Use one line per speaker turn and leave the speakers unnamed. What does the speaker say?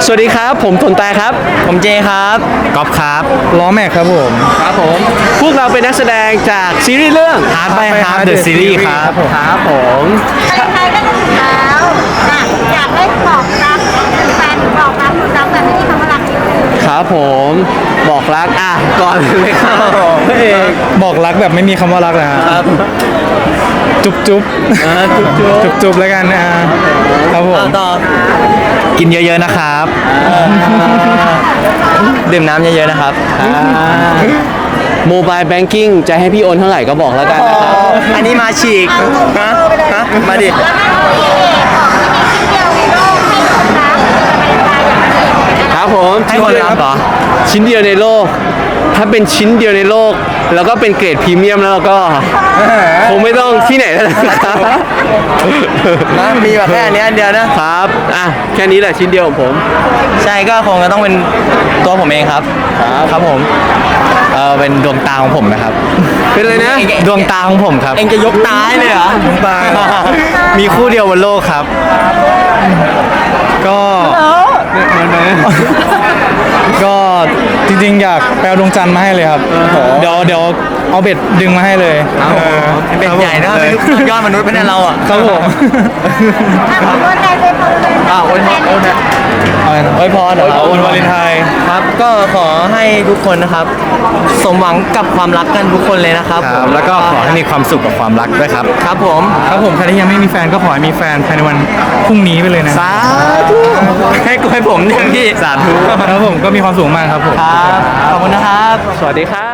สวัสดีครับผมทนตายครับ
ผมเจครับก๊อฟครับ
ล้อแม็กครับผม
ครับผมพวกเราเป็นนักแสดงจากซีรีส์เรื่อง
Hard by Hard The Series ครับ
ครับผม
ใครๆก็จะถึงแล้วอยากให้บอกรักแฟนบอกรักคุณรักแบบที่คำว่ารัก
ครับผมบอกรักก่อนเลยครับ
บอกรักแบบไม่มีคำว่ารักเลยครับจุ๊บจุ๊บจุ๊บจุ๊บแล้วกันครับผม
ต่อกินเยอะๆนะครับดื่มน้ำเยอะๆนะครับ
โมบายแบงกิ้งจะให้พี่โอนเท่าไหร่ก็บอกแล้วกันนะครับ
อันนี้มาฉีกฮะมาดิ
แล้วก็มีเดียวในโลกให้คนรัก
ครับผม
ให้คนรับเหรอ
ชิ้นเดียวในโลก ถ้าเป็นชิ้นเดียวในโลก แล้วก็เป็นเกรดพรีเมียมแล้วก็คงไม่ต้องที่ไหนแล้วนะครับ
มีแบบแค่อันนี้อันเดียวนะครับ
แค่นี้แหละชิ้นเดียวของผม
ใช่ก็คงจะต้องเป็นตัวผมเองครับครับผมเป็นดวงตาของผมนะครับ
เป็นเลยนะ
ดวงตาของผมครับเองจะยกตาให้เลยเหรอดวงตามีคู่เดียวบนโลกครับ
ก็ก็จริงๆอยากแปลดวงจันทร์มาให้เลยครับเดี๋ยวเอาเบ็ดดึงมาให้เลย
เป็นใหญ่นะเป็นลูกยอดมนุษย์เป็นเราอ่ะ
ครับผม
คนใดเป็นคนเลย
โอ้ยพอ
วันวาเลนไทน์
ครับก็ขอให้ทุกคนนะครับสมหวังกับความรักกันทุกคนเลยนะครับ
แล้วก็ขอให้มีความสุขกับความรักด้วยครับ
ครับผม
ใครที่ยังไม่มีแฟนก็ขอให้มีแฟนภายในวันพรุ่งนี้ไปเลยนะ
สาธุให้ผมอย่างที่
สาธุครับผมก็มีความสุขมากครับผม
ครับขอบคุณนะครับ
สวัสดีครับ